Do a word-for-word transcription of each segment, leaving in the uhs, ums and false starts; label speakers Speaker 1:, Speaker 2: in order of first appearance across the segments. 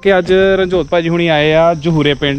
Speaker 1: कि अज रंजोत भाजी हुणी आए आ जहूरे पिंड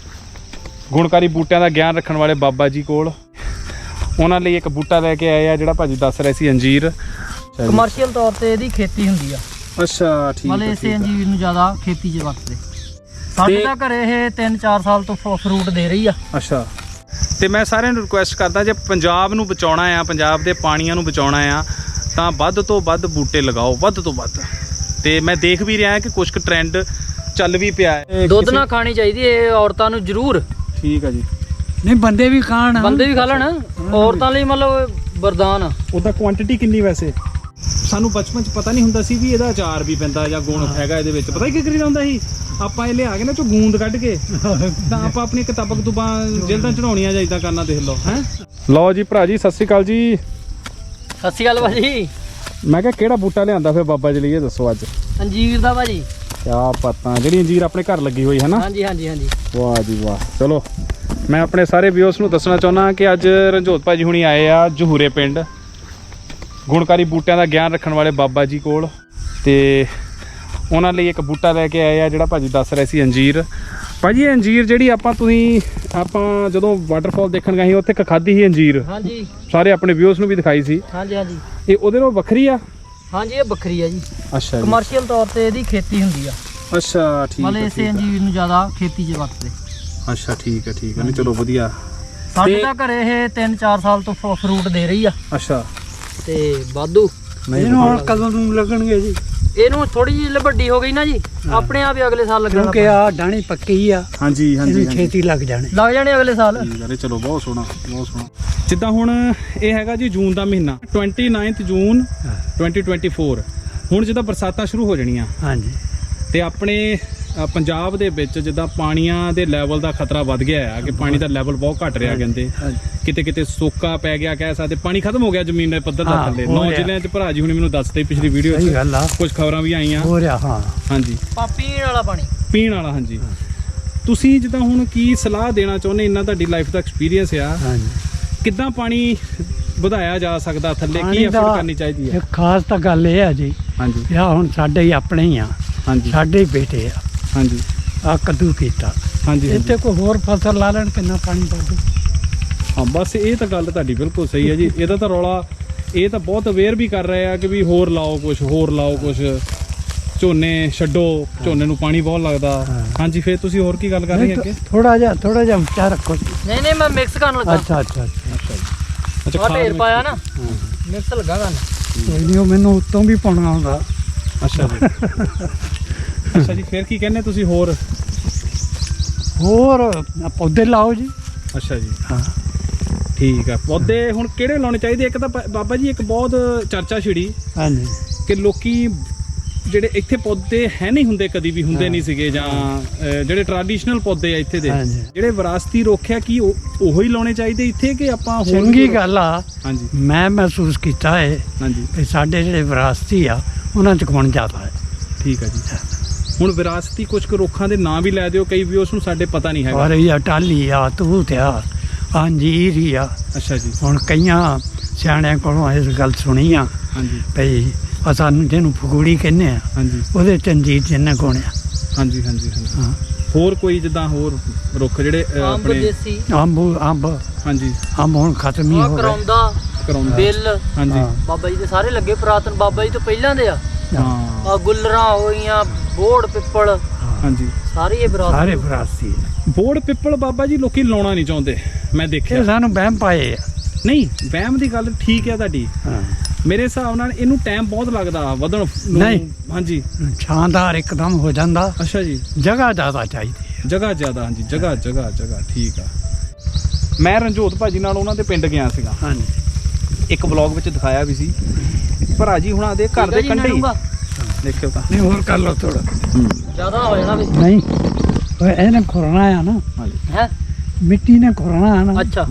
Speaker 1: गुणकारी बूटियां दा ज्ञान रखण वाले बाबा जी कोल। उन्हां लई एक बूटा लैके आए आ जिहड़ा भाजी दस रहे सी अंजीर
Speaker 2: कमर्शियल तौर ते इहदी खेती हुंदी आ।
Speaker 1: अच्छा ठीक
Speaker 2: मतलब इसे अंजीर नूं ज़्यादा खेती 'च वरतदे। साडे तां घरे इह तीन चार साल तो फ्रूट दे रही आ।
Speaker 1: अच्छा ते मैं सारिਆਂ ਨੂੰ रिक्वेस्ट करदा जे पंजाब ਨੂੰ बचाउणा आ पंजाब ਦੇ ਪਾਣੀਆਂ ਨੂੰ ਬਚਾਉਣਾ ਆ ਤਾਂ ਵੱਧ ਤੋਂ ਵੱਧ ਬੂਟੇ ਲਗਾਓ ਵੱਧ ਤੋਂ ਵੱਧ। ਤੇ ਮੈਂ ਦੇਖ ਵੀ ਰਿਹਾ ਕਿ ਕੁਝ ਕੁ ਟ੍ਰੈਂਡ ਚੱਲ ਵੀ ਪਿਆ ਹੈ।
Speaker 2: ਦੁੱਧ ਨਾ ਖਾਣੀ ਚਾਹੀਦੀ ਹੈ ਔਰਤਾਂ ਨੂੰ ਜ਼ਰੂਰ।
Speaker 1: ਠੀਕ ਆ ਜੀ।
Speaker 3: ਨਹੀਂ ਬੰਦੇ ਵੀ ਖਾਣ
Speaker 2: ਬੰਦੇ ਵੀ ਖਾ ਲੈਣ ਔਰਤਾਂ ਲਈ ਮਤਲਬ ਵਰਦਾਨ ਆ।
Speaker 1: ਉਹਦਾ ਕੁਆਂਟੀਟੀ ਕਿੰਨੀ ਵੈਸੇ ਸਾਨੂੰ ਬਚਪਨ ਚ ਪਤਾ ਨਹੀਂ ਹੁੰਦਾ ਸੀ ਵੀ ਇਹਦਾ ਅਚਾਰ ਵੀ ਪੈਂਦਾ ਜਾਂ ਗੁਣ ਹੈਗਾ ਇਹਦੇ ਵਿੱਚ। ਪਤਾ ਹੀ ਕੀ ਕਰੀਦਾ ਹੁੰਦਾ ਸੀ ਆਪਾਂ ਇਹ ਲਿਆ ਕੇ ਨਾ ਚੋ ਗੂੰਦ ਕੱਢ ਕੇ ਤਾਂ ਆਪਾਂ ਆਪਣੀ ਕਿਤਾਬਾਂ ਕਤੂਬਾਂ ਜਲਦਾਂ ਚੜਾਉਣੀਆਂ ਜਾਂ ਇਦਾਂ ਕਰਨਾ। ਦੇਖ ਲਓ ਹੈ। ਲਓ ਜੀ ਭਰਾ ਜੀ ਸਤਿ ਸ਼੍ਰੀ ਅਕਾਲ ਜੀ।
Speaker 2: ਸਤਿ ਸ਼੍ਰੀ ਅਕਾਲ ਭਾਜੀ।
Speaker 1: ਮੈਂ ਕਿਹਾ ਕਿਹੜਾ ਬੂਟਾ ਲਿਆਂਦਾ ਫਿਰ ਬਾਬਾ ਜੀ ਲਈ ਇਹ ਦੱਸੋ ਅੱਜ।
Speaker 2: ਅੰਜੀਰ ਦਾ ਭਾਜੀ।
Speaker 1: ਕਿਆ ਪਤਾ ਜਿਹੜੀ ਅੰਜੀਰ ਆਪਣੇ ਘਰ ਲੱਗੀ ਹੋਈ ਹੈ ਨਾ।
Speaker 2: ਹਾਂਜੀ ਹਾਂਜੀ ਹਾਂਜੀ।
Speaker 1: ਵਾਹ ਜੀ ਵਾਹ। ਚਲੋ ਮੈਂ ਆਪਣੇ ਸਾਰੇ ਵਿਊਅਰਸ ਨੂੰ ਦੱਸਣਾ ਚਾਹੁੰਦਾ ਕਿ ਅੱਜ ਰਣਜੋਤ ਭਾਜੀ ਹੁਣੀ ਆਏ ਆ ਜਹੂਰੇ ਪਿੰਡ ਗੁਣਕਾਰੀ ਬੂਟਿਆਂ ਦਾ ਗਿਆਨ ਰੱਖਣ ਵਾਲੇ ਬਾਬਾ ਜੀ ਕੋਲ। ਤੇ ਉਹਨਾਂ ਲਈ ਇੱਕ ਬੂਟਾ ਲੈ ਕੇ ਆਏ ਆ ਜਿਹੜਾ ਭਾਜੀ ਦੱਸ ਰਹੇ ਸੀ ਅੰਜੀਰ। ਭਾਜੀ ਇਹ ਅੰਜੀਰ ਜਿਹੜੀ ਆਪਾਂ ਤੁਸੀਂ ਆਪਾਂ ਜਦੋਂ ਵਾਟਰਫਾਲ ਦੇਖਣ ਗਏ ਸੀ ਉੱਥੇ ਇੱਕ ਖਾਧੀ ਸੀ ਅੰਜੀਰ।
Speaker 2: ਹਾਂਜੀ
Speaker 1: ਸਾਰੇ ਆਪਣੇ ਵਿਊਅਰਸ ਨੂੰ ਵੀ ਦਿਖਾਈ ਸੀ।
Speaker 2: ਹਾਂਜੀ ਹਾਂਜੀ।
Speaker 1: ਇਹ ਉਹਦੇ ਨਾਲੋਂ ਵੱਖਰੀ ਆ।
Speaker 2: ਹਾਂਜੀ ਇਹ ਵੱਖਰੀ ਆ ਜੀ।
Speaker 1: ਅੱਛਾ
Speaker 2: ਕਮਰਸ਼ੀਅਲ ਤੌਰ ਤੇ ਇਹਦੀ ਖੇਤੀ ਹੁੰਦੀ ਆ।
Speaker 1: ਅੱਛਾ ਠੀਕ
Speaker 2: ਮਤਲਬ ਇਸੇ ਅੰਜੀਰ ਨੂੰ ਜ਼ਿਆਦਾ ਖੇਤੀ 'ਚ ਵਰਤਦੇ।
Speaker 1: ਅੱਛਾ ਠੀਕ ਹੈ ਠੀਕ ਹੈ। ਨਹੀਂ ਚਲੋ ਵਧੀਆ।
Speaker 2: ਸਾਡੇ ਤਾਂ ਘਰੇ ਇਹ ਤਿੰਨ ਚਾਰ ਸਾਲ ਤੋਂ ਫਰੂਟ ਦੇ ਰਹੀ ਆ।
Speaker 1: ਅੱਛਾ
Speaker 2: ਤੇ ਵਾਧੂ
Speaker 3: ਇਹਨੂੰ ਹੁਣ ਕਦੋਂ ਨੂੰ ਲੱਗਣਗੇ ਜੀ?
Speaker 2: ਇਹਨੂੰ ਥੋੜੀ ਜਿਹੀ ਵੱਡੀ ਹੋ ਗਈ ਨਾ ਜੀ ਆਪਣੇ ਆਪ ਹੀ ਅਗਲੇ ਸਾਲ ਲੱਗਣਾ।
Speaker 3: ਕਿਉਂਕਿ ਆ ਡਾਣੀ ਪੱਕੀ ਆ।
Speaker 1: ਹਾਂਜੀ ਹਾਂਜੀ
Speaker 3: ਇਹਨੂੰ ਛੇਤੀ ਲੱਗ ਜਾਣੇ
Speaker 2: ਲੱਗ ਜਾਣੇ ਅਗਲੇ ਸਾਲ।
Speaker 1: ਠੀਕ ਹੈ। ਚਲੋ ਬਹੁਤ ਸੋਹਣਾ ਬਹੁਤ ਸੋਹਣਾ। ਜਿੱਦਾਂ ਹੁਣ ਇਹ ਹੈਗਾ ਜੀ ਜੂਨ ਦਾ ਮਹੀਨਾ ਉਨੱਤੀ ਜੂਨ ਦੋ ਹਜ਼ਾਰ ਚੌਵੀ। ਹੁਣ ਜਿੱਦਾਂ ਬਰਸਾਤਾਂ ਸ਼ੁਰੂ ਹੋ ਜਾਣੀਆਂ
Speaker 3: ਹਾਂਜੀ
Speaker 1: ਤੇ ਆਪਣੇ ਪੰਜਾਬ ਦੇ ਵਿੱਚ ਜਿੱਦਾਂ ਪਾਣੀਆਂ ਦੇ ਲੈਵਲ ਦਾ ਖਤਰਾ ਵੱਧ ਗਿਆ ਹੈ ਕਿ ਪਾਣੀ ਦਾ ਲੈਵਲ ਬਹੁਤ ਘਟ ਰਿਹਾ। ਕਹਿੰਦੇ ਕਿਤੇ ਕਿਤੇ ਸੋਕਾ ਪੈ ਗਿਆ ਕਹਿ ਸਕਦੇ ਪਾਣੀ ਖਤਮ ਹੋ ਗਿਆ ਜ਼ਮੀਨ ਦੇ ਪੱਧਰ ਦਾ ਥੱਲੇ। ਨੌ ਜ਼ਿਲ੍ਹਿਆਂ 'ਚ ਭਰਾ ਜੀ ਹੁਣੇ ਮੈਨੂੰ ਦੱਸਦੇ ਪਿਛਲੀ ਵੀਡੀਓ 'ਚ ਕੁਝ ਖਬਰਾਂ ਵੀ ਆਈਆਂ
Speaker 3: ਹੋ ਰਿਹਾ। ਹਾਂ
Speaker 1: ਹਾਂਜੀ
Speaker 2: ਪੀਣ ਵਾਲਾ ਪਾਣੀ
Speaker 1: ਪੀਣ ਵਾਲਾ। ਹਾਂਜੀ ਤੁਸੀਂ ਜਿੱਦਾਂ ਹੁਣ ਕੀ ਸਲਾਹ ਦੇਣਾ ਚਾਹੁੰਦੇ ਇੰਨਾ ਤੁਹਾਡੀ ਲਾਈਫ ਦਾ ਐਕਸਪੀਰੀਅੰਸ ਆ ਕਿੱਦਾਂ ਪਾਣੀ ਵਧਾਇਆ ਜਾ ਸਕਦਾ ਥੱਲੇ ਕੀ ਐਫਰਟ ਕਰਨੀ ਚਾਹੀਦੀ ਹੈ?
Speaker 3: ਖਾਸ ਤਾਂ ਗੱਲ ਇਹ ਆ ਜੀ
Speaker 1: ਹਾਂਜੀ
Speaker 3: ਆ ਹੁਣ ਸਾਡੇ ਹੀ ਆਪਣੇ ਹੀ ਆ। ਹਾਂਜੀ ਸਾਡੇ ਹੀ ਬੇਟੇ ਆ।
Speaker 1: ਹਾਂਜੀ
Speaker 3: ਆ ਕੱਦੂ ਕੀਤਾ।
Speaker 1: ਹਾਂਜੀ
Speaker 3: ਇੱਥੇ ਕੋਈ ਹੋਰ ਫਸਲ ਲਾ ਲੈਣ ਕਿੰਨਾ ਪਾਣੀ ਪਾਉ।
Speaker 1: ਹਾਂ ਬਸ ਇਹ ਤਾਂ ਗੱਲ ਤੁਹਾਡੀ ਬਿਲਕੁਲ ਸਹੀ ਹੈ ਜੀ। ਇਹਦਾ ਤਾਂ ਰੌਲਾ ਇਹ ਤਾਂ ਬਹੁਤ ਅਵੇਅਰ ਵੀ ਕਰ ਰਹੇ ਆ ਕਿ ਵੀ ਹੋਰ ਲਾਓ ਕੁਛ ਹੋਰ ਲਾਓ ਕੁਛ ਝੋਨੇ ਛੱਡੋ ਝੋਨੇ ਨੂੰ ਪਾਣੀ ਬਹੁਤ ਲੱਗਦਾ। ਹਾਂਜੀ ਫਿਰ ਤੁਸੀਂ ਹੋਰ ਕੀ ਗੱਲ ਕਰ ਰਹੇ ਅੱਗੇ?
Speaker 3: ਥੋੜਾ ਜਿਹਾ ਥੋੜਾ ਜਿਹਾ ਉੱਚਾ ਰੱਖੋ।
Speaker 2: ਨਹੀਂ ਨਹੀਂ ਮੈਂ ਮਿਕਸ ਕਰਨ ਲੱਗਾ।
Speaker 3: ਅੱਛਾ ਅੱਛਾ
Speaker 1: ਅੱਛਾ ਜੀ।
Speaker 2: ਅੱਛਾ ਢੇਰ ਪਾਇਆ ਨਾ ਮਿਕਸ ਲੱਗਾ ਕਰਨ।
Speaker 3: ਕੋਈ ਨਹੀਂ ਉਹ ਮੈਨੂੰ ਉੱਤੋਂ ਵੀ ਪਾਉਣਾ ਆਉਂਦਾ।
Speaker 1: ਅੱਛਾ ਜੀ ਅੱਛਾ ਜੀ ਫਿਰ ਕੀ ਕਹਿੰਦੇ ਤੁਸੀਂ ਹੋਰ
Speaker 3: ਹੋਰ ਪੌਦੇ ਲਾਓ ਜੀ।
Speaker 1: ਅੱਛਾ ਜੀ
Speaker 3: ਹਾਂ
Speaker 1: ਠੀਕ ਆ। ਪੌਦੇ ਹੁਣ ਕਿਹੜੇ ਲਾਉਣੇ ਚਾਹੀਦੇ? ਇੱਕ ਤਾਂ ਬਾਬਾ ਜੀ ਇੱਕ ਬਹੁਤ ਚਰਚਾ ਛਿੜੀ
Speaker 3: ਹਾਂਜੀ ਕਿ
Speaker 1: ਲੋਕੀ ਜਿਹੜੇ ਇੱਥੇ ਪੌਦੇ ਹੈ ਨਹੀਂ ਹੁੰਦੇ ਕਦੀ ਵੀ ਹੁੰਦੇ ਨਹੀਂ ਸੀਗੇ ਜਾਂ ਜਿਹੜੇ ਟ੍ਰੈਡੀਸ਼ਨਲ ਪੌਦੇ ਆ ਇੱਥੇ ਦੇ ਜਿਹੜੇ ਵਿਰਾਸਤੀ ਰੋਖਿਆ ਕੀ ਉਹੋ ਹੀ ਲਾਉਣੇ ਚਾਹੀਦੇ ਇੱਥੇ ਕਿ ਆਪਾਂ
Speaker 3: ਚੰਗੀ ਗੱਲ ਆ।
Speaker 1: ਹਾਂਜੀ
Speaker 3: ਮੈਂ ਮਹਿਸੂਸ ਕੀਤਾ ਹੈ ਹਾਂਜੀ ਕਿ ਸਾਡੇ ਜਿਹੜੇ ਵਿਰਾਸਤੀ ਆ ਉਹਨਾਂ 'ਚ ਗੁਣ ਜ਼ਿਆਦਾ ਹੈ। ਠੀਕ ਹੈ ਜੀ।
Speaker 1: ਹੁਣ ਵਿਰਾਸਤੀ ਕੁਝ ਕੁ ਰੁੱਖਾਂ ਦੇ ਨਾਂ ਵੀ ਲੈ ਦਿਓ ਕਈ ਵੀ ਉਸ ਨੂੰ ਸਾਡੇ ਪਤਾ ਨਹੀਂ ਹੈਗਾ।
Speaker 3: ਔਰ ਇਹ ਟਾਹਲੀ ਆ ਤੂਤ ਆ ਅੰਜੀਰ ਹੀ ਆ।
Speaker 1: ਅੱਛਾ ਜੀ। ਹੁਣ
Speaker 3: ਕਈਆਂ ਸਿਆਣਿਆਂ ਕੋਲੋਂ ਇਸ ਗੱਲ ਸੁਣੀ ਆ ਹਾਂਜੀ ਭਈ ਆ ਸਾਨੂੰ ਜਿਹਨੂੰ ਫਗੂੜੀ ਕਹਿੰਦੇ ਆ ਹਾਂਜੀ ਉਹਦੇ ਚ ਅੰਜੀਰ ਜਿੰਨਾ ਗੁਣ ਆ। ਹਾਂਜੀ ਹਾਂਜੀ ਹਾਂਜੀ। ਹਾਂ
Speaker 1: ਹੋਰ ਕੋਈ ਜਿੱਦਾਂ ਹੋਰ ਰੁੱਖ ਜਿਹੜੇ ਆਪਣੇ
Speaker 3: ਅੰਬ ਅੰਬ ਹਾਂਜੀ ਅੰਬ ਹੁਣ ਖਤਮ ਹੀ ਹੋ ਗਏ।
Speaker 2: ਕਰੌਂਦਾ
Speaker 1: ਕਰੌਂਦਾ
Speaker 2: ਬਿੱਲ
Speaker 1: ਹਾਂਜੀ
Speaker 2: ਬਾਬਾ ਜੀ ਦੇ ਸਾਰੇ ਲੱਗੇ ਪੁਰਾਤਨ ਬਾਬਾ ਜੀ ਤੋਂ ਪਹਿਲਾਂ ਦੇ ਆ।
Speaker 1: ਹਾਂ
Speaker 2: ਆ ਗੁੱਲਰਾਂ ਹੋਈਆਂ ਬੋੜ ਪਿੱਪਲ
Speaker 1: ਹਾਂਜੀ ਸਾਰੇ
Speaker 3: ਇਹ ਵਿਰਾਸਤੀ ਸਾਰੇ ਵਿਰਾਸਤੀ
Speaker 1: ਬੋੜ ਪਿੱਪਲ ਬਾਬਾ ਜੀ ਲੋਕੀ ਲਾਉਣਾ ਨਹੀਂ ਚਾਹੁੰਦੇ ਮੈਂ ਦੇਖਿਆ।
Speaker 3: ਸਾਨੂੰ ਵਹਿਮ ਪਾਏ ਆ।
Speaker 1: ਨਹੀਂ ਵਹਿਮ ਦੀ ਗੱਲ ਠੀਕ ਹੈ ਤੁਹਾਡੀ। ਹਾਂ ਮੇਰੇ ਹਿਸਾਬ ਨਾਲ ਇਹਨੂੰ ਟਾਈਮ ਬਹੁਤ ਲੱਗਦਾ ਵਧਣ ਨੂੰ। ਨਹੀਂ ਹਾਂਜੀ
Speaker 3: ਸ਼ਾਨਦਾਰ ਇੱਕਦਮ ਹੋ ਜਾਂਦਾ।
Speaker 1: ਅੱਛਾ ਜੀ।
Speaker 3: ਜਗ੍ਹਾ ਜ਼ਿਆਦਾ ਚਾਹੀਦੀ ਹੈ।
Speaker 1: ਜਗ੍ਹਾ ਜ਼ਿਆਦਾ ਹਾਂਜੀ ਜਗ੍ਹਾ ਜਗ੍ਹਾ ਜਗ੍ਹਾ ਠੀਕ ਆ। ਮੈਂ ਰਣਜੋਤ ਭਾਜੀ ਨਾਲ ਉਹਨਾਂ ਦੇ ਪਿੰਡ ਗਿਆ ਸੀਗਾ। ਹਾਂਜੀ ਇੱਕ ਵਲੌਗ ਵਿੱਚ ਦਿਖਾਇਆ ਵੀ ਸੀ ਭਰਾ ਜੀ ਹੁਣਾਂ ਦੇ ਘਰ ਦੇ ਕੰਢੇ ਹੀ ਦੇਖਿਓ ਤਾਂ।
Speaker 3: ਨਹੀਂ ਹੋਰ ਕਰ ਲਓ ਥੋੜਾ
Speaker 2: ਜ਼ਿਆਦਾ ਹੋ ਜਾਣਾ ਵੀ
Speaker 3: ਨਹੀਂ ਇਹਨੇ ਖੁਰਨਾ ਆ ਨਾ
Speaker 2: ਹੈ
Speaker 3: ਮਿੱਟੀ ਨੇ ਖੁਰਨਾ ਆ ਨਾ।
Speaker 2: ਅੱਛਾ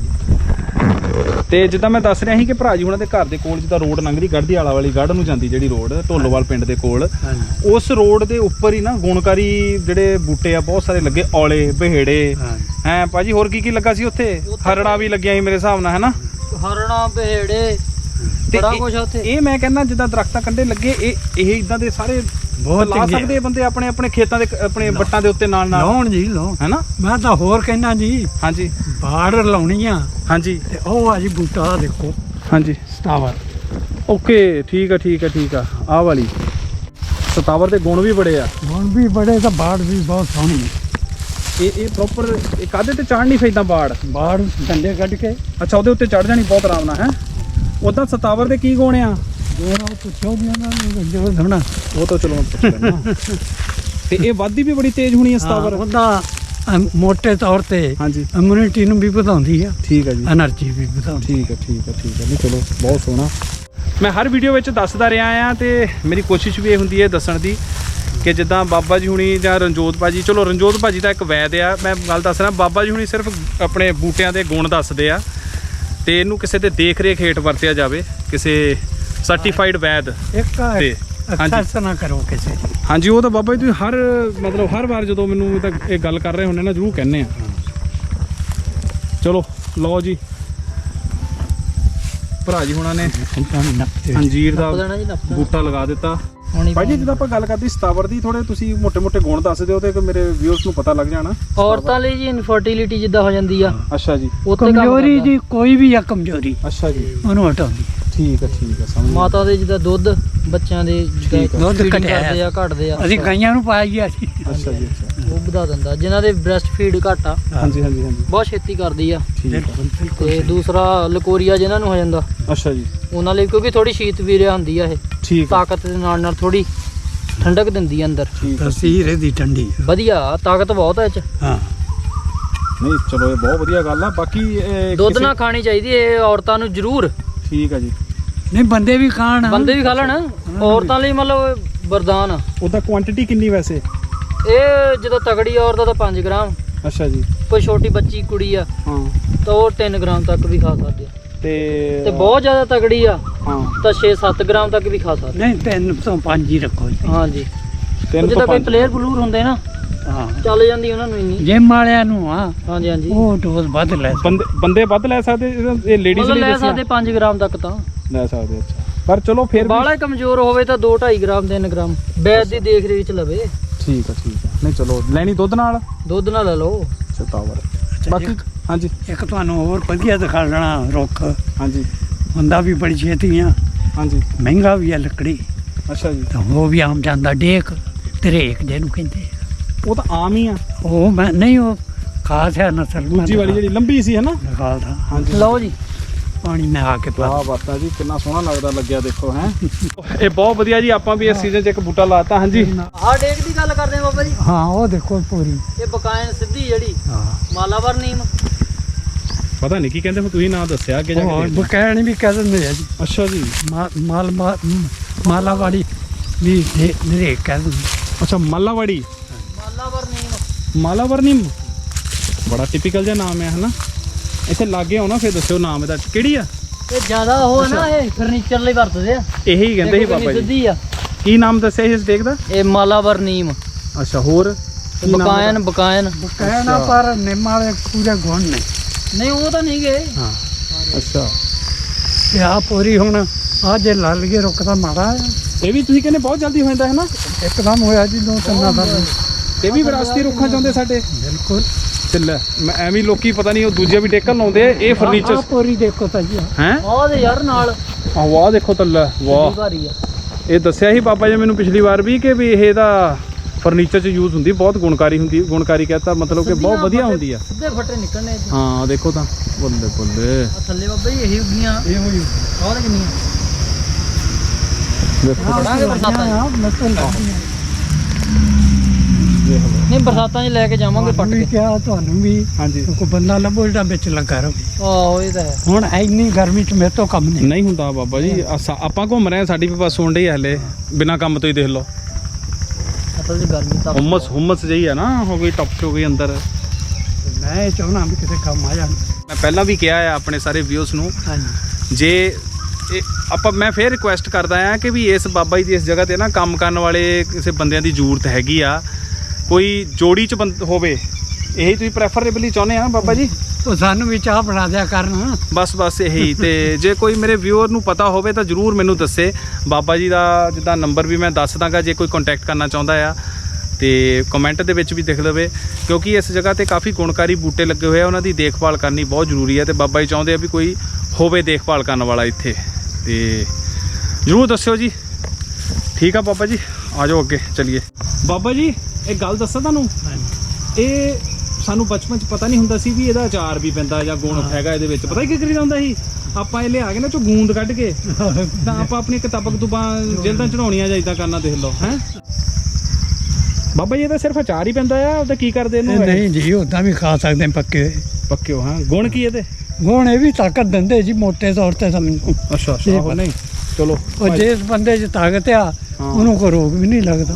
Speaker 1: ਤੇ ਜਿੱਦਾਂ ਮੈਂ ਦੱਸ ਰਿਹਾ ਸੀ ਕਿ ਭਰਾ ਜੀ ਹੁਣਾਂ ਦੇ ਘਰ ਦੇ ਕੋਲ ਜਿੱਦਾਂ ਰੋਡ ਲੰਘਦੀ ਗੜ੍ਹਦੀ ਆਲਾ ਵਾਲੀ ਗੜ੍ਹ ਨੂੰ ਜਾਂਦੀ ਜਿਹੜੀ ਰੋਡ ਢੋਲੋਵਾਲ ਪਿੰਡ ਦੇ ਕੋਲ ਉਸ ਰੋਡ ਦੇ ਉੱਪਰ ਹੀ ਨਾ ਗੁਣਕਾਰੀ ਜਿਹੜੇ ਬੂਟੇ ਆ ਬਹੁਤ ਸਾਰੇ ਲੱਗੇ ਔਲੇ ਬਹੇੜੇ ਹੈ ਭਾਜੀ। ਹੋਰ ਕੀ ਕੀ ਲੱਗਾ ਸੀ ਉੱਥੇ? ਹਰੜਾ ਵੀ ਲੱਗਿਆ ਸੀ ਮੇਰੇ ਹਿਸਾਬ ਨਾਲ ਹੈ ਨਾ।
Speaker 2: ਹਰੜਾ ਬਹੇੜੇ
Speaker 1: ਤੇ
Speaker 2: ਬੜਾ
Speaker 1: ਇਹ-
Speaker 2: ਕੁਛ ਆ ਉੱਥੇ।
Speaker 1: ਇਹ ਮੈਂ ਕਹਿੰਦਾ ਜਿੱਦਾਂ ਦਰਖਤਾਂ ਕੰਢੇ ਲੱਗੇ ਇਹ ਇਹ ਇਦਾਂ ਦੇ ਸਾਰੇ
Speaker 3: ਬਹੁਤ
Speaker 1: ਲਾ
Speaker 3: ਚੰਗੇ
Speaker 1: ਸਕਦੇ ਆ ਬੰਦੇ ਆਪਣੇ ਆਪਣੇ ਖੇਤਾਂ ਦੇ ਆਪਣੇ ਵੱਟਾਂ ਦੇ ਉੱਤੇ ਨਾਲ ਨਾਲ
Speaker 3: ਲਾਉਣ ਜੀ ਲਾਉਣ
Speaker 1: ਹੈਨਾ।
Speaker 3: ਮੈਂ ਤਾਂ ਹੋਰ ਕਹਿਣਾ ਜੀ
Speaker 1: ਹਾਂਜੀ
Speaker 3: ਬਾੜ ਲਾਉਣੀ ਆ
Speaker 1: ਹਾਂਜੀ
Speaker 3: ਤੇ ਉਹ ਆ ਜੀ ਬੂਟਾ ਆਹ ਦੇਖੋ
Speaker 1: ਹਾਂਜੀ
Speaker 3: ਸਟਾਵਰ
Speaker 1: ਓਕੇ ਠੀਕ ਆ ਠੀਕ ਆ ਠੀਕ ਆ ਆਹ ਵਾਲੀ ਸਤਾਵਰ ਦੇ ਗੁਣ ਵੀ ਬੜੇ ਆ।
Speaker 3: ਹੁਣ ਵੀ ਬੜੇ ਤਾਂ ਬਾੜ ਵੀ ਬਹੁਤ ਸੋਹਣੀ ਹੈ।
Speaker 1: ਇਹ ਇਹ ਪ੍ਰੋਪਰ ਇਹ ਕਾਹਦੇ ਤੇ ਚੜ੍ਹ ਨਹੀਂ ਫੈਂਦਾ ਬਾੜ।
Speaker 3: ਬਾੜ ਡੰਡੇ ਕੱਢ ਕੇ
Speaker 1: ਅੱਛਾ ਉਹਦੇ ਉੱਤੇ ਚੜ ਜਾਣੀ ਬਹੁਤ ਆਰਾਮ ਨਾਲ ਹੈ। ਉਦਾਂ ਸਤਾਵਰ ਦੇ ਕੀ ਗੁਣ ਆ?
Speaker 3: ਜਿਹੜਾ ਉਹ ਪੁੱਛੋ ਵੀ ਉਹਨਾਂ ਨੂੰ ਜੋ ਸੋਹਣਾ
Speaker 1: ਉਹ ਤਾਂ ਚਲੋ ਮੈਂ ਪੁੱਛ ਲੈਣਾ। ਤੇ ਇਹ ਵੱਧਦੀ ਵੀ ਬੜੀ ਤੇਜ਼ ਹੋਣੀ ਹੈ ਸਤਾਵਰ।
Speaker 3: ਉਹਦਾ ਅਮ, ਮੋਟੇ ਤੌਰ ਤੇ
Speaker 1: ਹਾਂਜੀ
Speaker 3: ਇਮਿਊਨਿਟੀ ਨੂੰ ਵੀ ਵਧਾਉਂਦੀ ਆ,
Speaker 1: ਠੀਕ ਆ ਜੀ
Speaker 3: એનર્ਜੀ ਵੀ ਵਧਾਉਂਦੀ।
Speaker 1: ਠੀਕ ਹੈ ਠੀਕ ਹੈ ਠੀਕ ਹੈ ਨਹੀਂ ਚਲੋ ਬਹੁਤ ਸੋਹਣਾ। ਮੈਂ ਹਰ ਵੀਡੀਓ ਵਿੱਚ ਦੱਸਦਾ ਰਿਹਾ ਆ ਤੇ ਮੇਰੀ ਕੋਸ਼ਿਸ਼ ਵੀ ਇਹ ਹੁੰਦੀ ਹੈ ਦੱਸਣ ਦੀ ਕਿ ਜਿੱਦਾਂ ਬਾਬਾ ਜੀ ਹੁਣੀ ਜਾਂ ਰਣਜੋਤ ਭਾਜੀ, ਚਲੋ ਰਣਜੋਤ ਭਾਜੀ ਦਾ ਇੱਕ ਵੈਦ ਆ, ਮੈਂ ਗੱਲ ਦੱਸ ਰਿਹਾ। ਬਾਬਾ ਜੀ ਹੁਣੀ ਸਿਰਫ ਆਪਣੇ ਬੂਟਿਆਂ ਦੇ ਗੁਣ ਦੱਸਦੇ ਆ ਤੇ ਇਹਨੂੰ ਕਿਸੇ ਦੇ ਦੇਖ ਰੇਖ ਹੇਠ ਵਰਤਿਆ ਜਾਵੇ, ਕਿਸੇ ਸਰਟੀਫਾਈਡ ਵੈਦ
Speaker 3: ਇੱਕ
Speaker 1: ਤੇ ਹਾਂਜੀ
Speaker 3: ਐਕਸੈਸ ਨਾ ਕਰੋ ਕਿਸੇ ਦੀ।
Speaker 1: ਹਾਂਜੀ ਉਹ ਤਾਂ ਬਾਬਾ ਜੀ ਤੁਸੀਂ ਹਰ ਮਤਲਬ ਹਰ ਵਾਰ ਜਦੋਂ ਮੈਨੂੰ ਇਹ ਤਾਂ ਇਹ ਗੱਲ ਕਰ ਰਹੇ ਹੁੰਦੇ ਨਾ ਜ਼ਰੂਰ ਕਹਿੰਦੇ ਆ। ਚਲੋ ਲਓ ਜੀ ਭਰਾ ਜੀ ਹੁਣਾਂ ਨੇ
Speaker 3: ਏਦਾਂ ਵੀ ਨੱਪਦੇ।
Speaker 1: ਅੰਜੀਰ ਦਾ
Speaker 2: ਨੱਪ ਦੇਣਾ ਜੀ, ਨੱਪ ਦੇਣਾ।
Speaker 1: ਬੂਟਾ ਲਗਾ ਦਿੱਤਾ।
Speaker 2: ਹੁਣੀ
Speaker 1: ਭਾਈ ਜੀ ਜਦੋਂ ਆਪਾਂ ਗੱਲ ਕਰਦੇ ਸਤਾਵਰ ਦੀ ਥੋੜੇ ਤੁਸੀਂ ਮੋٹے ਮੋٹے ਗੁਣ ਦੱਸ ਦਿਓ ਤੇ ਮੇਰੇ ਵਿਊਅਰਸ ਨੂੰ ਪਤਾ ਲੱਗ ਜਾਣਾ।
Speaker 2: ਔਰਤਾਂ ਲਈ ਜੀ ਇਨਫਰਟੀਲਿਟੀ ਜਿੱਦਾਂ ਹੋ ਜਾਂਦੀ ਆ
Speaker 1: ਅੱਛਾ ਜੀ
Speaker 2: ਉੱਤੇ ਕੰਮ
Speaker 3: ਕਮਜ਼ੋਰੀ
Speaker 2: ਕਰਦਾ।
Speaker 3: ਜੀ ਕੋਈ ਵੀ ਆ ਕਮਜ਼ੋਰੀ
Speaker 1: ਅੱਛਾ ਜੀ
Speaker 3: ਉਹਨੂੰ ਹਟਾਉਂਦੀ।
Speaker 1: ਠੀਕ ਹੈ ਠੀਕ ਹੈ ਸਮਝ ਗਿਆ।
Speaker 2: ਮਾਤਾ ਦੇ ਜਿੱਦਾਂ ਦੁੱਧ ਬੱਚਿਆਂ ਦੇ
Speaker 1: ਠੀਕ ਆ।
Speaker 2: ਜਿੱਦਾਂ
Speaker 3: ਦੁੱਧ
Speaker 2: feeding
Speaker 3: ਘਟਿਆ
Speaker 2: ਕਰਦੇ ਆ ਘਟਦੇ ਆ
Speaker 3: ਅਸੀਂ ਗਾਈਆਂ ਨੂੰ ਪਾਇਆ ਗਿਆ ਸੀ।
Speaker 1: ਅੱਛਾ ਜੀ ਅੱਛਾ
Speaker 2: ਉਹ ਵਧਾ ਦਿੰਦਾ। ਜਿਨ੍ਹਾਂ ਦੇ ਬ੍ਰੈਸਟ ਫੀਡ ਘੱਟ ਆ
Speaker 1: ਹਾਂਜੀ ਹਾਂਜੀ ਹਾਂਜੀ
Speaker 2: ਬਹੁਤ ਛੇਤੀ ਕਰਦੀ ਆ।
Speaker 1: ਠੀਕ ਹੈ
Speaker 3: ਬਿਲਕੁਲ ਬਿਲਕੁਲ
Speaker 2: ਤੇ ਦੂਸਰਾ ਲਕੋਰੀਆ ਜਿਨ੍ਹਾਂ ਨੂੰ ਹੋ ਜਾਂਦਾ
Speaker 1: ਅੱਛਾ ਜੀ
Speaker 2: ਉਹਨਾਂ ਲਈ ਕਿਉਂਕਿ ਥੋੜੀ ਸ਼ੀਤ ਵੀਰਿਆ ਹੁੰਦੀ ਆ ਇਹ
Speaker 1: ਠੀਕ ਹੈ
Speaker 2: ਤਾਕਤ ਦੇ ਨਾਲ ਨਾਲ ਥੋੜੀ ਠੰਡਕ ਦਿੰਦੀ ਆ ਅੰਦਰ।
Speaker 1: ਠੀਕ ਹੈ
Speaker 3: ਤਸੀਰ ਇਹਦੀ ਠੰਡੀ ਆ।
Speaker 2: ਵਧੀਆ ਤਾਕਤ ਬਹੁਤ ਆ ਇਹ ਚ।
Speaker 3: ਹਾਂ
Speaker 1: ਨਹੀਂ ਚਲੋ ਇਹ ਬਹੁਤ ਵਧੀਆ ਗੱਲ ਆ। ਬਾਕੀ ਇਹ
Speaker 2: ਦੁੱਧ
Speaker 1: ਕਿਸੇ-
Speaker 2: ਨਾ ਖਾਣੀ ਚਾਹੀਦੀ ਇਹ ਔਰਤਾਂ ਨੂੰ ਜ਼ਰੂਰ।
Speaker 1: ਠੀਕ ਹੈ ਜੀ
Speaker 3: ਨਹੀਂ ਬੰਦੇ ਵੀ ਖਾਣ
Speaker 2: ਬੰਦੇ ਵੀ ਖਾ ਲੈਣ ਔਰਤਾਂ ਲਈ ਮਤਲਬ ਵਰਦਾਨ ਆ।
Speaker 1: ਉਹਦਾ ਕੁਆਂਟੀਟੀ ਕਿੰਨੀ ਵੈਸੇ?
Speaker 2: ਇਹ ਜਦੋਂ ਤਗੜੀ ਔਰਤ ਆ ਤਾਂ ਪੰਜ ਗ੍ਰਾਮ,
Speaker 1: ਅੱਛਾ ਜੀ
Speaker 2: ਕੋਈ ਛੋਟੀ ਬੱਚੀ ਕੁੜੀ ਆ
Speaker 1: ਹਾਂ
Speaker 2: ਤਾਂ ਉਹ ਤਿੰਨ ਗ੍ਰਾਮ ਤੱਕ ਵੀ ਖਾ ਸਕਦੇ ਆ
Speaker 1: ਤੇ
Speaker 2: ਤੇ ਬਹੁਤ ਜ਼ਿਆਦਾ ਤਗੜੀ ਆ
Speaker 1: ਹਾਂ
Speaker 2: ਤਾਂ ਛੇ ਸੱਤ ਗ੍ਰਾਮ ਤੱਕ ਵੀ ਖਾ ਸਕਦੇ।
Speaker 3: ਨਹੀਂ ਤਿੰਨ ਤੋਂ ਪੰਜ ਹੀ ਰੱਖੋ ਜੀ।
Speaker 2: ਹਾਂਜੀ
Speaker 1: ਤਿੰਨ
Speaker 2: ਜਿੱਦਾਂ
Speaker 1: ਤੋਂ
Speaker 2: ਕੋਈ
Speaker 1: ਪੰਜ
Speaker 2: ਪਲੇਅਰ ਬਲੂਰ ਹੁੰਦੇ ਨਾ
Speaker 3: ਹਾਂ
Speaker 2: ਚੱਲ ਜਾਂਦੀ ਉਹਨਾਂ ਨੂੰ ਇੰਨੀ।
Speaker 3: ਜਿਮ ਵਾਲਿਆਂ ਨੂੰ ਆ
Speaker 2: ਹਾਂਜੀ ਹਾਂਜੀ
Speaker 3: ਉਹ ਡੋਜ਼ ਵੱਧ ਲੈ
Speaker 1: ਬੰਦੇ ਬੰਦੇ ਵੱਧ ਲੈ ਸਕਦੇ ਇਹ ਲੇਡੀਜ਼
Speaker 2: ਮਤਲਬ
Speaker 1: ਲਈ
Speaker 2: ਲੈ
Speaker 1: ਦੱਸਿਆ?
Speaker 2: ਸਕਦੇ ਪੰਜ ਗ੍ਰਾਮ ਤੱਕ ਤਾਂ।
Speaker 1: ਲੈ ਸਕਦੇ ਅੱਛਾ ਪਰ ਚਲੋ ਫਿਰ ਵੀ
Speaker 2: ਬਾਹਲਾ ਕਮਜ਼ੋਰ ਹੋਵੇ ਤਾਂ ਦੋ ਢਾਈ ਗ੍ਰਾਮ ਤਿੰਨ ਗ੍ਰਾਮ ਬੈਦ ਦੀ ਦੇਖ ਰੇਖ ਚ ਲਵੇ।
Speaker 1: ਠੀਕ ਆ ਠੀਕ ਆ ਨਹੀਂ ਚਲੋ ਲੈਣੀ ਦੁੱਧ ਨਾਲ
Speaker 2: ਦੁੱਧ ਨਾਲ ਲੈ ਲਓ।
Speaker 1: ਸਤਾਵਰ ਬਾਕੀ ਹਾਂਜੀ
Speaker 3: ਇੱਕ ਤੁਹਾਨੂੰ ਹੋਰ ਵਧੀਆ ਦਿਖਾ ਲੈਣਾ ਰੁੱਖ
Speaker 1: ਹਾਂਜੀ
Speaker 3: ਹੁੰਦਾ ਵੀ ਬੜੀ ਛੇਤੀ ਆ,
Speaker 1: ਹਾਂਜੀ
Speaker 3: ਮਹਿੰਗਾ ਵੀ ਆ ਲੱਕੜੀ
Speaker 1: ਅੱਛਾ ਜੀ
Speaker 3: ਤਾਂ ਉਹ ਵੀ ਆਮ ਜਾਂਦਾ ਡੇਕ ਤਰੇਕ ਜਿਹਨੂੰ ਕਹਿੰਦੇ ਆ।
Speaker 1: ਉਹ ਤਾਂ ਆਮ ਹੀ ਆ
Speaker 3: ਉਹ ਮੈਂ ਨਹੀਂ ਉਹ ਖਾਸ ਹੈ ਨਸਲ
Speaker 1: ਦੂਜੀ ਵਾਲੀ ਜਿਹੜੀ ਲੰਬੀ ਸੀ ਹੈ ਨਾ
Speaker 3: ਦਿਖਾਲਦਾ।
Speaker 1: ਹਾਂਜੀ
Speaker 2: ਲਓ ਜੀ
Speaker 3: ਪਾਣੀ ਮੈਂ ਆ ਕੇ ਪਾ
Speaker 1: ਵਾਹ ਬਾਤਾਂ ਜੀ ਕਿੰਨਾ ਸੋਹਣਾ ਲੱਗਦਾ ਲੱਗਿਆ ਦੇਖੋ ਹੈ ਇਹ ਬਹੁਤ ਵਧੀਆ ਜੀ ਆਪਾਂ ਵੀ ਇਸ ਸੀਜ਼ਨ 'ਚ ਇੱਕ ਬੂਟਾ ਲਾਤਾ ਹਾਂਜੀ
Speaker 2: ਆਹ ਡੇਕ ਦੀ ਗੱਲ ਕਰਦੇ ਆ ਬਾਬਾ ਜੀ।
Speaker 3: ਹਾਂ ਉਹ ਦੇਖੋ ਪੂਰੀ
Speaker 2: ਇਹ ਬਕਾਇਨ ਸਿੱਧੀ ਜਿਹੜੀ
Speaker 3: ਹਾਂ
Speaker 2: ਮਾਲਾਵਰ ਨੀਮ।
Speaker 1: ਪਤਾ ਨਹੀਂ ਕੀ ਕਹਿੰਦੇ ਹੁਣ ਤੁਸੀਂ ਨਾਂ ਦੱਸਿਆ ਅੱਗੇ ਜਾ
Speaker 3: ਉਹ
Speaker 1: ਕੇ
Speaker 3: ਬਕੈਣ ਵੀ ਕਹਿ ਦਿੰਦੇ ਆ ਜੀ।
Speaker 1: ਅੱਛਾ ਜੀ
Speaker 3: ਮਾ- ਮਾਲ ਮਾ- ਮਾਲਾ ਵਾਲੀ ਵੀ ਨਰੇਕ ਕਹਿ ਦਿੰਦੇ।
Speaker 1: ਅੱਛਾ ਮਾਲਾਵਾੜੀ
Speaker 2: ਮਾਲਾਵਰ ਨੀਮ
Speaker 1: ਮਾਲਾਵਰ ਨਿੰਮ ਬੜਾ ਟਿਪੀਕਲ ਜਿਹਾ ਨਾਮ ਹੈ ਹਨਾ ਇੱਥੇ ਲਾਗੇ ਆਉਣਾ ਫਿਰ ਦੱਸਿਓ ਨਾਮ ਇਹਦਾ ਕਿਹੜੀ ਆ
Speaker 2: ਇਹ ਜ਼ਿਆਦਾ ਉਹ ਆ ਨਾ ਇਹ ਫਰਨੀਚਰ ਲਈ ਵਰਤਦੇ ਆ।
Speaker 1: ਇਹੀ ਕਹਿੰਦੇ ਸੀ
Speaker 2: ਦੇਖੋ
Speaker 1: ਬਾਬਾ
Speaker 2: ਕਿੰਨੀ
Speaker 1: ਜੀ
Speaker 2: ਸਿੱਧੀ ਆ
Speaker 1: ਕੀ ਨਾਮ ਦੱਸਿਆ ਸੀ ਇਸ ਡੇਕ ਦਾ
Speaker 2: ਇਹ ਮਾਲਾਵਰ ਨੀਮ।
Speaker 1: ਅੱਛਾ ਹੋਰ ਕੀ ਨਾਮ
Speaker 2: ਬਕਾਇਨ
Speaker 1: ਇਹਦਾ?
Speaker 2: ਬਕਾਇਨ
Speaker 3: ਬਕੈਣ ਆ ਪਰ ਨਿੰਮ ਵਾਲੇ ਪੂਰੇ ਗੁਣ ਨੇ।
Speaker 2: ਨਹੀਂ ਉਹ ਤਾਂ ਨਹੀਂ ਗਏ।
Speaker 3: ਹਾਂ
Speaker 1: ਅੱਛਾ
Speaker 3: ਤੇ ਆ ਪੂਰੀ ਹੁਣ ਆ ਜੇ ਲੱਲ ਗਏ ਰੁੱਖ ਤਾਂ ਮਾੜਾ ਆ।
Speaker 1: ਇਹ ਵੀ ਤੁਸੀਂ ਕਹਿੰਦੇ ਬਹੁਤ ਜਲਦੀ ਹੋ ਜਾਂਦਾ ਹੈ ਨਾ
Speaker 3: ਇੱਕਦਮ ਹੋਇਆ ਜੀ ਦੋ ਤਿੰਨਾਂ ਦਾ।
Speaker 1: ਇਹ ਵੀ ਵਿਰਾਸਤੀ ਰੁੱਖਾਂ ਚਾਹੁੰਦੇ ਸਾਡੇ
Speaker 3: ਬਿਲਕੁਲ
Speaker 1: ਤੇ ਲੈ ਮੈਂ ਐਵੇਂ ਲੋਕੀ ਪਤਾ ਨਹੀਂ ਉਹ ਦੂਜੇ ਵੀ ਡੇਕਲ ਲਾਉਂਦੇ ਆ ਇਹ ਫਰਨੀਚਰ
Speaker 3: ਆਹ ਪੂਰੀ ਦੇਖੋ ਤਾਂ ਜੀ
Speaker 1: ਹੈ
Speaker 2: ਉਹ ਦੇ ਯਾਰ ਨਾਲ
Speaker 1: ਆਹ ਵਾਹ ਦੇਖੋ ਤਾਂ ਲੈ ਵਾਹ
Speaker 2: ਭਾਰੀ ਆ।
Speaker 1: ਇਹ ਦੱਸਿਆ ਸੀ ਬਾਬਾ ਜੀ ਮੈਨੂੰ ਪਿਛਲੀ ਵਾਰ ਵੀ ਕਿ ਵੀ ਇਹ ਇਹਦਾ ਫਰਨੀਚਰ 'ਚ ਯੂਜ਼ ਹੁੰਦੀ ਬਹੁਤ ਗੁਣਕਾਰੀ ਹੁੰਦੀ ਗੁਣਕਾਰੀ ਕਹਤਾ ਮਤਲਬ ਕਿ ਬਹੁਤ ਵਧੀਆ ਹੁੰਦੀ ਆ
Speaker 2: ਸਿੱਧੇ ਫੱਟੇ ਨਿਕਲਣੇ ਇਹਦੇ।
Speaker 1: ਹਾਂ ਦੇਖੋ ਤਾਂ ਬੱਲੇ ਬੱਲੇ
Speaker 2: ਆਹ ਥੱਲੇ ਬਾਬਾ ਜੀ ਇਹੀ ਉੱਗੀਆਂ
Speaker 3: ਇਹ ਹੋਈ
Speaker 2: ਬਹੁਤ ਕਿੰਨੀਆਂ
Speaker 1: ਦੇਖੋ
Speaker 2: ਪੜਾਂਗੇ ਬਰਸਾਤਾਂ 'ਚ।
Speaker 3: ਆ ਨਸਲ
Speaker 1: ਦੇਖ ਲਓ
Speaker 2: ਨਹੀਂ ਬਰਸਾਤਾਂ 'ਚ ਲੈ ਕੇ ਜਾਵਾਂਗੇ ਪੱਟ
Speaker 3: ਵੀ
Speaker 2: ਕੇ।
Speaker 3: ਕਿਹਾ ਤੁਹਾਨੂੰ ਵੀ
Speaker 1: ਹਾਂਜੀ
Speaker 3: ਕੋਈ ਬੰਦਾ ਲੱਭੋ ਜਿਹੜਾ ਵਿੱਚ ਲੱਗਾ ਰਹੇ।
Speaker 2: ਆਹੋ ਇਹ ਤਾਂ ਹੈ।
Speaker 3: ਹੁਣ ਇੰਨੀ ਗਰਮੀ ਚ ਮੇਰੇ ਤੋਂ ਕੰਮ ਨਹੀਂ।
Speaker 1: ਨਹੀਂ ਹੁੰਦਾ ਬਾਬਾ ਜੀ ਅਸਾਂ- ਆਪਾਂ ਘੁੰਮ ਰਹੇ ਹਾਂ ਸਾਡੀ ਵੀ ਬਸ ਸੁਣ ਰਹੀ ਹੈ ਹਲੇ ਬਿਨਾ ਕੰਮ ਤੋਂ ਹੀ ਦੇਖ ਲਓ
Speaker 2: ਅਸਲ 'ਚ ਗਰਮੀ ਤਾਂ
Speaker 1: ਹੁਮਸ ਹੁਮਸ ਜਿਹੀ ਆ ਨਾ ਹੋ ਗਈ ਟੱਪ ਹੋ ਗਈ ਅੰਦਰ
Speaker 3: ਮੈਂ ਇਹ ਚਾਹੁੰਦਾ ਵੀ ਕਿਤੇ ਕੰਮ ਆ ਜਾਣ।
Speaker 1: ਮੈਂ ਪਹਿਲਾਂ ਵੀ ਕਿਹਾ ਆ ਆਪਣੇ ਸਾਰੇ ਵਿਊਸ ਨੂੰ
Speaker 3: ਹਾਂਜੀ
Speaker 1: ਜੇ ਇਹ ਆਪਾਂ ਮੈਂ ਫੇਰ ਰਿਕੁਐਸਟ ਕਰਦਾ ਆ ਕਿ ਵੀ ਇਸ ਬਾਬਾ ਜੀ ਦੀ ਇਸ ਜਗ੍ਹਾ ਤੇ ਨਾ ਕੰਮ ਕਰਨ ਵਾਲੇ ਕਿਸੇ ਬੰਦਿਆਂ ਦੀ ਜ਼ਰੂਰਤ ਹੈਗੀ ਆ ਕੋਈ ਜੋੜੀ ਚ ਬੰਦ ਹੋਵੇ ਇਹੀ ਤੁਸੀਂ ਪ੍ਰੈਫਰੇਬਲੀ ਚਾਹੁੰਦੇ ਆ ਨਾ ਬਾਬਾ ਜੀ
Speaker 3: ਉਹ ਸਾਨੂੰ ਵੀ ਚਾਹ ਬਣਾ ਦਿਆ ਕਰਨ।
Speaker 1: ਬਸ ਬਸ ਇਹੀ। ਤੇ ਜੇ ਕੋਈ ਮੇਰੇ ਵਿਊਅਰ ਨੂੰ ਪਤਾ ਹੋਵੇ ਤਾਂ ਜਰੂਰ ਮੈਨੂੰ ਦੱਸੇ। ਬਾਬਾ ਜੀ ਦਾ ਜਿੱਦਾਂ ਨੰਬਰ ਵੀ ਮੈਂ ਦੱਸ ਦਾਂਗਾ, ਜੇ ਕੋਈ ਕੰਟੈਕਟ ਕਰਨਾ ਚਾਹੁੰਦਾ ਆ ਤੇ ਕਮੈਂਟ ਦੇ ਵਿੱਚ ਵੀ ਲਿਖ ਲਵੇ, ਕਿਉਂਕਿ ਇਸ ਜਗ੍ਹਾ ਤੇ ਕਾਫੀ ਗੁਣਕਾਰੀ ਬੂਟੇ ਲੱਗੇ ਹੋਏ ਆ, ਉਹਨਾਂ ਦੀ ਦੇਖਭਾਲ ਕਰਨੀ ਬਹੁਤ ਜ਼ਰੂਰੀ ਹੈ ਤੇ ਬਾਬਾ ਜੀ ਚਾਹੁੰਦੇ ਆ ਵੀ ਕੋਈ ਹੋਵੇ ਦੇਖਭਾਲ ਕਰਨ ਵਾਲਾ ਇੱਥੇ, ਤੇ ਜ਼ਰੂਰ ਦੱਸਿਓ ਜੀ। ਠੀਕ ਆ ਬਾਬਾ ਜੀ, ਆ ਜਾਓ ਅੱਗੇ ਚਲੀਏ। ਬਾਬਾ ਜੀ ਇੱਕ ਗੱਲ ਦੱਸਾਂ ਤੁਹਾਨੂੰ, ਇਹ ਸਾਨੂੰ ਬਚਪਨ 'ਚ ਪਤਾ ਨਹੀਂ ਹੁੰਦਾ ਸੀ ਵੀ ਇਹਦਾ ਅਚਾਰ ਵੀ ਪੈਂਦਾ ਜਾਂ ਗੁਣ ਹੈਗਾ ਇਹਦੇ ਵਿੱਚ। ਪਤਾ ਕੀ ਕਰੀ ਜਾਂਦਾ ਸੀ, ਆਪਾਂ ਇਹ ਲਿਆ ਕੇ ਨਾ ਚੋਂ ਗੂੰਦ ਕੱਢ ਕੇ ਤਾਂ ਆਪਾਂ ਆਪਣੀ ਕਿਤਾਬਾਂ ਕਤੂਬਾਂ ਜਲਦਾਂ ਚੜਾਉਣੀਆਂ ਜਾਂ ਇੱਦਾਂ ਕਰਨਾ, ਦੇਖ ਲਓ ਹੈ ਬਾਬਾ ਜੀ। ਇਹਦਾ ਸਿਰਫ ਅਚਾਰ ਹੀ ਪੈਂਦਾ ਆ, ਉਹਦਾ ਕੀ ਕਰਦੇ ਇਹਨੂੰ?
Speaker 3: ਨਹੀਂ ਜੀ, ਉਦਾਂ ਵੀ ਖਾ ਸਕਦੇ ਪੱਕੇ ਹੋਏ।
Speaker 1: ਪੱਕੇ ਹੋ? ਹਾਂ। ਗੁਣ ਕੀ ਇਹਦੇ?
Speaker 3: ਗੁਣ ਇਹ ਵੀ ਤਾਕਤ ਦਿੰਦੇ ਜੀ ਮੋਟੇ ਤੌਰ ਤੇ ਸਮਝੋ।
Speaker 1: ਅੱਛਾ ਅੱਛਾ। ਉਹ ਨਹੀਂ, ਚਲੋ
Speaker 3: ਉਹ ਜਿਸ ਬੰਦੇ 'ਚ ਤਾਕਤ ਆ ਉਹਨੂੰ ਕੋਈ ਰੋਗ ਵੀ ਨਹੀਂ ਲੱਗਦਾ।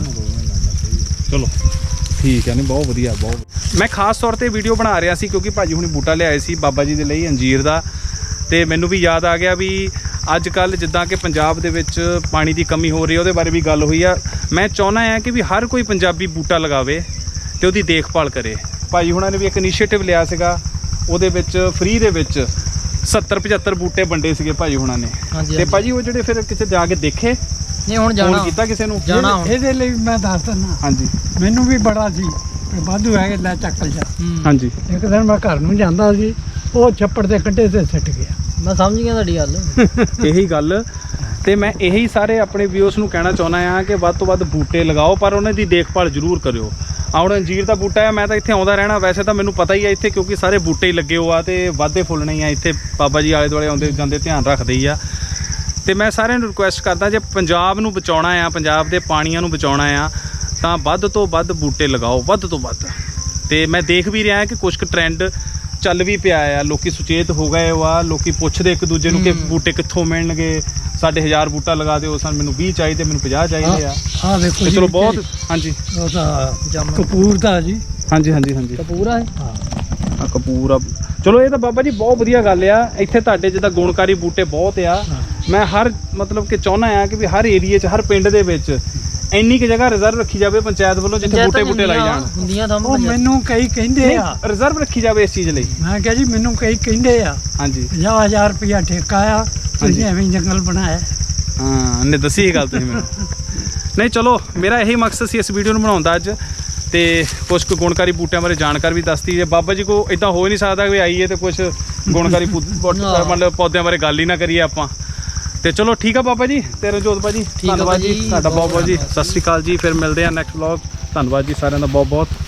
Speaker 1: ਚਲੋ ਠੀਕ ਹੈ। ਨਹੀਂ ਬਹੁਤ ਵਧੀਆ, ਬਹੁਤ। ਮੈਂ ਖਾਸ ਤੌਰ ਤੇ ਵੀਡੀਓ ਬਣਾ ਰਿਹਾ ਸੀ ਕਿਉਂਕਿ ਭਾਜੀ ਹੁਣੀ ਬੂਟਾ ਲਿਆਏ ਸੀ ਬਾਬਾ ਜੀ ਦੇ ਲਈ ਅੰਜੀਰ ਦਾ, ਤੇ ਮੈਨੂੰ ਵੀ ਯਾਦ ਆ ਗਿਆ ਵੀ ਅੱਜ ਕੱਲ੍ਹ ਜਿੱਦਾਂ ਕਿ ਪੰਜਾਬ ਦੇ ਵਿੱਚ ਪਾਣੀ ਦੀ ਕਮੀ ਹੋ ਰਹੀ ਹੈ, ਉਹਦੇ ਬਾਰੇ ਵੀ ਗੱਲ ਹੋਈ ਆ। ਮੈਂ ਚਾਹੁੰਦਾ ਹਾਂ ਕਿ ਵੀ ਹਰ ਕੋਈ ਪੰਜਾਬੀ ਬੂਟਾ ਲਗਾਵੇ ਤੇ ਉਹਦੀ ਦੇਖਭਾਲ ਕਰੇ। ਭਾਜੀ ਹੁਣਾਂ ਨੇ ਵੀ ਇੱਕ ਇਨੀਸ਼ੀਏਟਿਵ ਲਿਆ ਸੀਗਾ, ਉਹਦੇ ਵਿੱਚ ਫ੍ਰੀ ਦੇ ਵਿੱਚ ਸੱਤਰ ਪਝੱਤਰ ਬੂਟੇ ਵੰਡੇ ਸੀਗੇ ਭਾਜੀ ਹੁਣਾਂ ਨੇ। ਤੇ ਭਾਜੀ ਉਹ ਜਿਹੜੇ ਫਿਰ ਕਿਤੇ ਜਾ ਕੇ ਦੇਖੇ?
Speaker 2: ਨਹੀਂ, ਹੁਣ ਜਾਣਾ
Speaker 1: ਕੀਤਾ ਕਿਸੇ ਨੂੰ?
Speaker 2: ਜਾਣਾ ਹੁਣ।
Speaker 3: ਇਹਦੇ ਲਈ ਮੈਂ ਦੱਸ ਦਿੰਦਾ।
Speaker 1: ਹਾਂਜੀ।
Speaker 3: ਮੈਨੂੰ ਵੀ ਬੜਾ ਸੀ ਵਾਧੂ ਹੈਗੇ, ਲੈ ਚੱਕਲ ਜਾ।
Speaker 1: ਹਾਂਜੀ।
Speaker 3: ਇੱਕ ਦਿਨ ਮੈਂ ਘਰ ਨੂੰ ਜਾਂਦਾ ਸੀ, ਉਹ ਛੱਪੜ ਦੇ ਕੰਢੇ ਤੇ ਸਿੱਟ ਗਿਆ।
Speaker 2: ਮੈਂ ਸਮਝ ਗਿਆ ਤੁਹਾਡੀ ਗੱਲ।
Speaker 1: ਇਹੀ ਗੱਲ, ਤੇ ਮੈਂ ਇਹੀ ਸਾਰੇ ਆਪਣੇ ਵਿਊਅਰਸ ਨੂੰ ਕਹਿਣਾ ਚਾਹੁੰਦਾ ਆ ਕਿ ਵੱਧ ਤੋਂ ਵੱਧ ਬੂਟੇ ਲਗਾਓ, ਪਰ ਉਹਨਾਂ ਦੀ ਦੇਖਭਾਲ ਜ਼ਰੂਰ ਕਰਿਓ। ਆ ਹੁਣ ਅੰਜੀਰ ਦਾ ਬੂਟਾ ਹੈ, ਮੈਂ ਤਾਂ ਇੱਥੇ ਆਉਂਦਾ ਰਹਿਣਾ, ਵੈਸੇ ਤਾਂ ਮੈਨੂੰ ਪਤਾ ਹੀ ਆ ਇੱਥੇ, ਕਿਉਂਕਿ ਸਾਰੇ ਬੂਟੇ ਹੀ ਲੱਗੇ ਹੋ ਆ ਤੇ ਵਾਧੇ ਫੁੱਲਣੇ ਹੀ ਆ ਇੱਥੇ। ਬਾਬਾ ਜੀ ਆਲੇ ਦੁਆਲੇ ਆਉਂਦੇ ਜਾਂਦੇ ਧਿਆਨ ਰੱਖਦੇ ਹੀ ਆ। ਤੇ ਮੈਂ ਸਾਰਿਆਂ ਨੂੰ ਰਿਕੁਐਸਟ ਕਰਦਾ, ਜੇ ਪੰਜਾਬ ਨੂੰ ਬਚਾਉਣਾ ਆ, ਪੰਜਾਬ ਦੇ ਪਾਣੀਆਂ ਨੂੰ ਬਚਾਉਣਾ ਆ, ਤਾਂ ਵੱਧ ਤੋਂ ਵੱਧ ਬੂਟੇ ਲਗਾਓ, ਵੱਧ ਤੋਂ ਵੱਧ। ਤੇ ਮੈਂ ਦੇਖ ਵੀ ਰਿਹਾ ਕਿ ਕੁਝ ਕੁ ਟਰੈਂਡ ਚੱਲ ਵੀ ਪਿਆ ਆ, ਲੋਕੀ ਸੁਚੇਤ ਹੋ ਗਏ ਵਾ, ਲੋਕੀ ਪੁੱਛਦੇ ਇੱਕ ਦੂਜੇ ਨੂੰ ਕਿ ਬੂਟੇ ਕਿੱਥੋਂ ਮਿਲਣਗੇ। ਸਾਡੇ ਹਜ਼ਾਰ ਬੂਟਾ ਲਗਾ ਦਿਓ, ਸਾਨੂੰ ਮੈਨੂੰ ਵੀਹ ਚਾਹੀਦੇ, ਮੈਨੂੰ ਪੰਜਾਹ ਚਾਹੀਦੇ ਆ।
Speaker 3: ਆਹ ਦੇਖੋ ਜੀ,
Speaker 1: ਚਲੋ ਬਹੁਤ। ਹਾਂਜੀ।
Speaker 3: ਉਹ ਤਾਂ ਕਪੂਰ ਦਾ ਜੀ।
Speaker 1: ਹਾਂਜੀ ਹਾਂਜੀ ਹਾਂਜੀ।
Speaker 2: ਪੂਰਾ ਹੈ।
Speaker 1: ਆ ਕਪੂਰ ਆ। ਚਲੋ ਇਹ ਤਾਂ ਬਾਬਾ ਜੀ ਬਹੁਤ ਵਧੀਆ ਗੱਲ ਆ, ਇੱਥੇ ਤੁਹਾਡੇ ਜਿੱਦਾਂ ਗੁਣਕਾਰੀ ਬੂਟੇ ਬਹੁਤ ਆ। ਮੈਂ ਹਰ ਮਤਲਬ ਕਿ ਚਾਹੁੰਦਾ ਆ ਕਿ ਵੀ ਹਰ ਏਰੀਏ 'ਚ, ਹਰ ਪਿੰਡ ਦੇ ਵਿੱਚ ਇੰਨੀ ਕੁ ਜਗ੍ਹਾ ਰਿਜ਼ਰਵ ਰੱਖੀ ਜਾਵੇ ਪੰਚਾਇਤ ਵੱਲੋਂ, ਜਿੱਥੇ ਬੂਟੇ ਬੂਟੇ ਲਾਈ ਜਾਣ।
Speaker 2: ਹੁੰਦੀਆਂ ਤਾਂ
Speaker 3: ਉਹ ਮੈਨੂੰ ਕਈ ਕਹਿੰਦੇ ਆ
Speaker 1: ਰਿਜ਼ਰਵ ਰੱਖੀ ਜਾਵੇ ਇਸ ਚੀਜ਼ ਲਈ।
Speaker 3: ਮੈਂ ਕਿਹਾ ਜੀ ਮੈਨੂੰ ਕਈ ਕਹਿੰਦੇ ਆ
Speaker 1: ਹਾਂਜੀ
Speaker 3: ਪੰਜਾਹ ਹਜ਼ਾਰ ਰੁਪਇਆ ਠੇਕਾ ਆ, ਤੁਸੀਂ ਐਵੇਂ ਜੰਗਲ ਬਣਾਇਆ।
Speaker 1: ਹਾਂ, ਨੇ ਦੱਸੀ ਇਹ ਗੱਲ ਤੁਸੀਂ ਮੈਨੂੰ। ਨਹੀਂ ਚਲੋ, ਮੇਰਾ ਇਹੀ ਮਕਸਦ ਸੀ ਇਸ ਵੀਡੀਓ ਨੂੰ ਬਣਾਉਣ ਦਾ ਅੱਜ, ਤੇ ਕੁਝ ਕੁ ਗੁਣਕਾਰੀ ਬੂਟਿਆਂ ਬਾਰੇ ਜਾਣਕਾਰੀ ਵੀ ਦੱਸਤੀ। ਜੇ ਬਾਬਾ ਜੀ ਕੋ ਇਦਾਂ ਹੋ ਹੀ ਨਹੀਂ ਸਕਦਾ ਵੀ ਆਈਏ ਤੇ ਕੁਝ ਗੁਣਕਾਰੀ ਮਤਲਬ ਪੌਦਿਆਂ ਬਾਰੇ ਗੱਲ ਹੀ ਨਾ ਕਰੀਏ ਆਪਾਂ। ਤੇ ਚਲੋ ਠੀਕ ਆ ਬਾਬਾ ਜੀ ਤੇ ਰਣਜੋਤ ਭਾਜੀ, ਧੰਨਵਾਦ ਜੀ ਤੁਹਾਡਾ ਬਹੁਤ ਬਹੁਤ ਜੀ। ਸਤਿ ਸ਼੍ਰੀ ਅਕਾਲ ਜੀ, ਫਿਰ ਮਿਲਦੇ ਆ ਨੈਕਸਟ ਵਲੌਗ। ਧੰਨਵਾਦ ਜੀ ਸਾਰਿਆਂ ਦਾ ਬਹੁਤ ਬਹੁਤ।